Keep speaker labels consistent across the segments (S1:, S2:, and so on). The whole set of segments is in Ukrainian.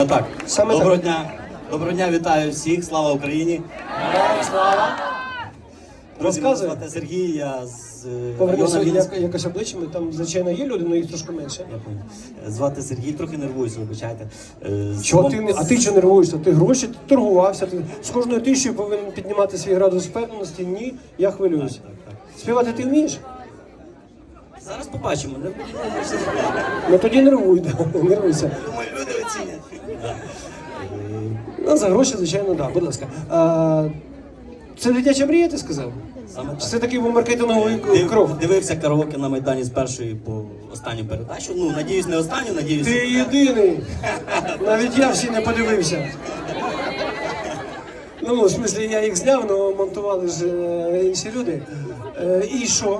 S1: Так,
S2: Саме
S1: доброго
S2: так.
S1: дня. Доброго дня, вітаю всіх, слава Україні.
S2: Слава.
S1: Друзі, мене
S2: Розказуй.
S1: звати Сергій, я з
S2: Повернися
S1: району Вінницького.
S2: якось обличчями, там, звичайно, є люди, але їх трошки менше.
S1: Я понял. Звати Сергій, трохи нервуюся, вибачайте.
S2: Чого ти не? А ти чого нервуєшся? Ти гроші, ти торгувався, ти з кожною тисячою повинен піднімати свій градус впевненості. Ні, я хвилююсь.
S1: Так.
S2: Співати ти вмієш?
S1: Зараз побачимо.
S2: Ну тоді нервуй, да, нервуйся.
S1: Думаю, люди оцінять. Да.
S2: Ну, за гроші, звичайно, так, будь ласка. Це дитяча мрія, ти сказав?
S1: Саме
S2: Чи
S1: так.
S2: це такий був маркетинговий крок?
S1: Дивився караоке на Майдані з першої по останню передачу. Ну, надіюсь, не останню, надіюсь.
S2: Ти єдиний. Навіть я всі не подивився. Ну, в смислі, я їх зняв, але монтували ж інші люди. І що?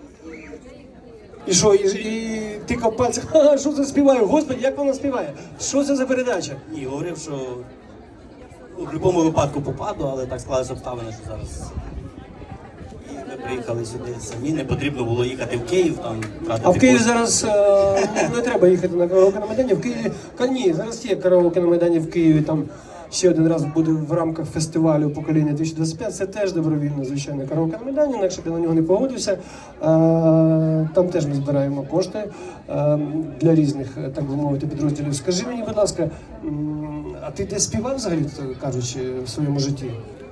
S2: І що? І тикав пальцем, ха, що це співає? Господи, як вона співає? Що це за передача?
S1: Ні, говорив, що ну, в будь-якому випадку попаду, але так склалися обставини, що зараз. І ми приїхали сюди самі, не потрібно було їхати в Київ, там тратити
S2: А в Києві
S1: кошти.
S2: зараз не треба їхати на караоке на Майдані. В Києві, ні, зараз є караоке на Майдані в Києві, там ще один раз буде в рамках фестивалю покоління 2025. Це теж добровільно, звичайно, караоке на Майдані, інакше б я на нього не погодився. Там теж ми збираємо кошти для різних, так би мовити, підрозділів. Скажи мені, будь ласка, а ти десь співав взагалі, кажучи, в своєму житті?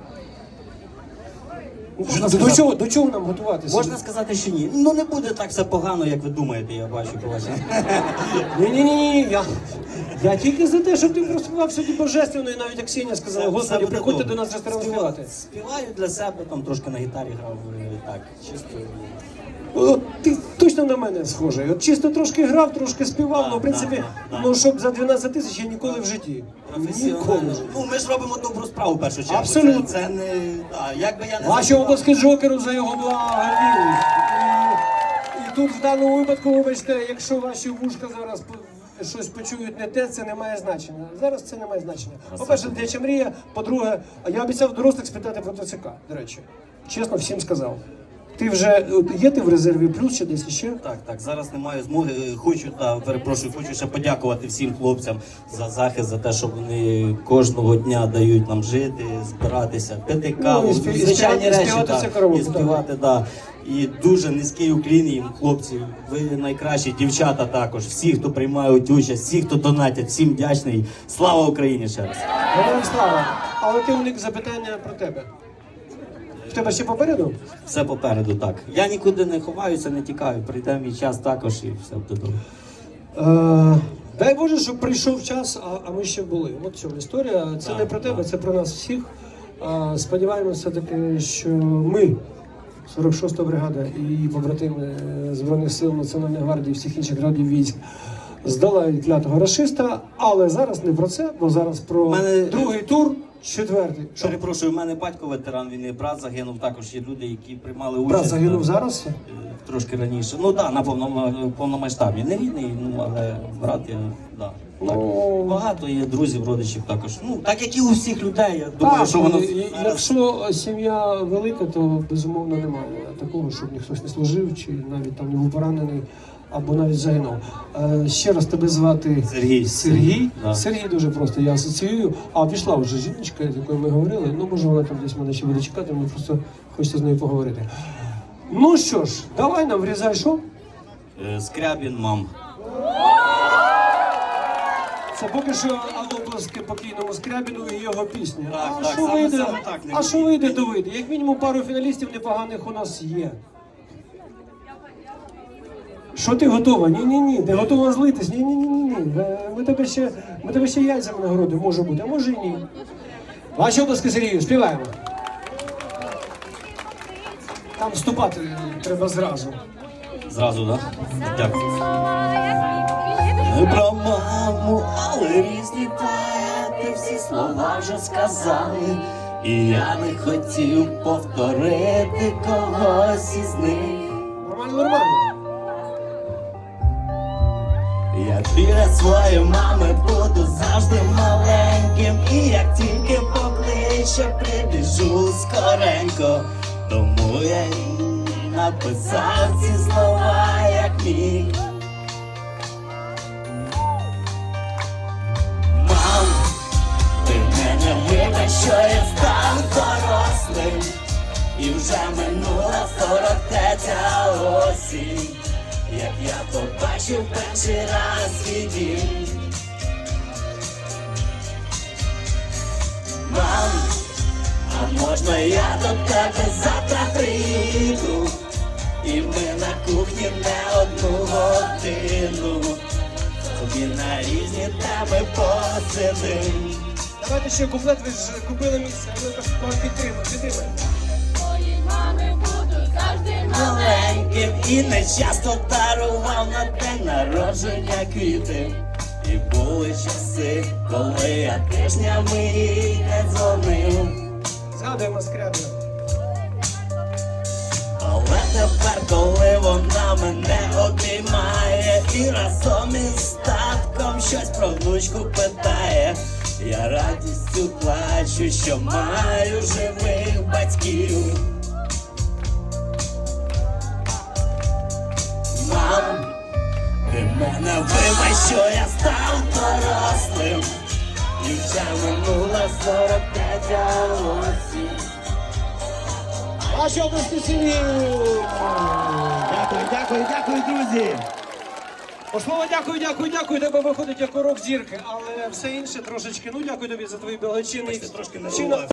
S2: До чого нам готуватися?
S1: Можна сказати, що ні. Ну не буде так все погано, як ви думаєте, я бачу по вашій.
S2: Ні, я тільки за те, щоб ти проспівав сьогодні божественно, і навіть Аксенія сказала,
S1: Все
S2: Господи,
S1: буде
S2: приходьте
S1: добре.
S2: до нас в ресторан співати.
S1: Співаю для себе, там трошки на гітарі грав, так, чисто.
S2: От ти точно на мене схожий. От чисто трошки грав, трошки співав, ну в принципі,
S1: да.
S2: ну щоб за 12 тисяч я ніколи в житті. Ніколи.
S1: Професіонально. Ну ми ж робимо добру справу в першу чергу.
S2: Абсолютно.
S1: Це не, як би я не
S2: Ваші
S1: заспівав.
S2: обласки Джокеру за його благовіють. І тут в даному випадку, вибачте, якщо ваші вушка зараз щось почують не те, це не має значення. Зараз це не має значення. По-перше, дитяча мрія, по-друге, я обіцяв дорослих спитати про ТЦК, до речі. Чесно, всім сказав. Ти вже, є ти в резерві плюс чи десь ще?
S1: Так, зараз не маю змоги. Хочу ще подякувати всім хлопцям за захист, за те, що вони кожного дня дають нам жити, збиратися, пити каву,
S2: і
S1: звичайні речі,
S2: співати
S1: так,
S2: це караоке,
S1: і співати, так. І дуже низький уклін їм, хлопці, ви найкращі, дівчата також, всі, хто приймають участь, всі, хто донатять, всім вдячний. Слава Україні ще раз.
S2: Героям слава. Але ти уник запитання про тебе. В тебе ще попереду?
S1: Все попереду, так. Я нікуди не ховаюся, не тікаю, прийде мій час також і все буде добре.
S2: Дай Боже, щоб прийшов час, а ми ще були. От в цьому історія. Це
S1: Так,
S2: не про тебе,
S1: так.
S2: це про нас всіх. Сподіваємося таки, що ми, 46-та бригада і побратими Збройних сил Національної гвардії, всіх інших родів військ, здолають клятого рашиста, але зараз не про це, бо зараз про другий тур, четвертий. Що,
S1: Перепрошую, у мене батько ветеран війни, брат загинув, також є люди, які приймали участь.
S2: брат загинув зараз?
S1: Трошки раніше. Ну так, на повномасштабі. Не рідний, ну але брат є, да. Так. Багато є друзів, родичів також. Ну, так як і у всіх людей, я думаю,
S2: Так,
S1: що воно
S2: якщо сім'я велика, то безумовно немає такого, щоб ніхтось не служив, чи навіть там не був поранений, або навіть загинув. Ще раз тебе звати
S1: Сергій.
S2: Сергій.
S1: Да.
S2: Сергій дуже просто, я асоціюю. А пішла вже жіночка, з якою ми говорили. Ну, може, вона там десь мене ще буде чекати, мені просто хочеться з нею поговорити. Ну що ж, давай нам врізай, що?
S1: Скрябін, мам.
S2: Це поки що оплески покійному Скрябіну і його пісня.
S1: Так,
S2: А
S1: так,
S2: що
S1: саме
S2: вийде?
S1: так, не
S2: А що вийде, то вийде. Як мінімум пару фіналістів непоганих у нас є. Що ти готова? Ні. Ти готова злитись? Ні. Ми тебе ще яйцями нагородимо, може бути, а може і ні. Ваші обласки, Сергію, співаємо. Там вступати треба зразу.
S1: Зразу, так? Дякую. Не про маму, але різні поети всі слова вже сказали. І я не хотів повторити когось із них.
S2: Нормально.
S1: Я біля своєї мами буду завжди маленьким. І як тільки покличе, прибіжу скоренько. Тому я й написав ці слова, як міг. Мам, 43-я осінь, як я побачив перший раз свій дім. Мам, а можна я до тебе завтра приїду? І ми на кухні не одну годину собі на різні теми посидим.
S2: Давайте ще куплет, ви ж купили місце, а ви підтримай.
S3: Твої мами будуть завжди
S1: Маленьким і не часто дарував на день народження квіти. І були часи, коли я тижнями їй не дзвонив.
S2: Згадуємо Скрябіна.
S1: Але тепер, коли вона мене обіймає і разом із татком щось про внучку питає, я радістю плачу, що маю живих батьків. Мам, ти мене вибач, що я став дорослим, і вже минула 43-я осінь.
S2: Ваші області сім'ї!
S4: Дякую, друзі.
S2: Слово дякую, тебе виходить як урок зірки, але все інше трошечки, ну дякую тобі за твої благочинні.
S1: Трошки не
S2: вчинок.
S1: було.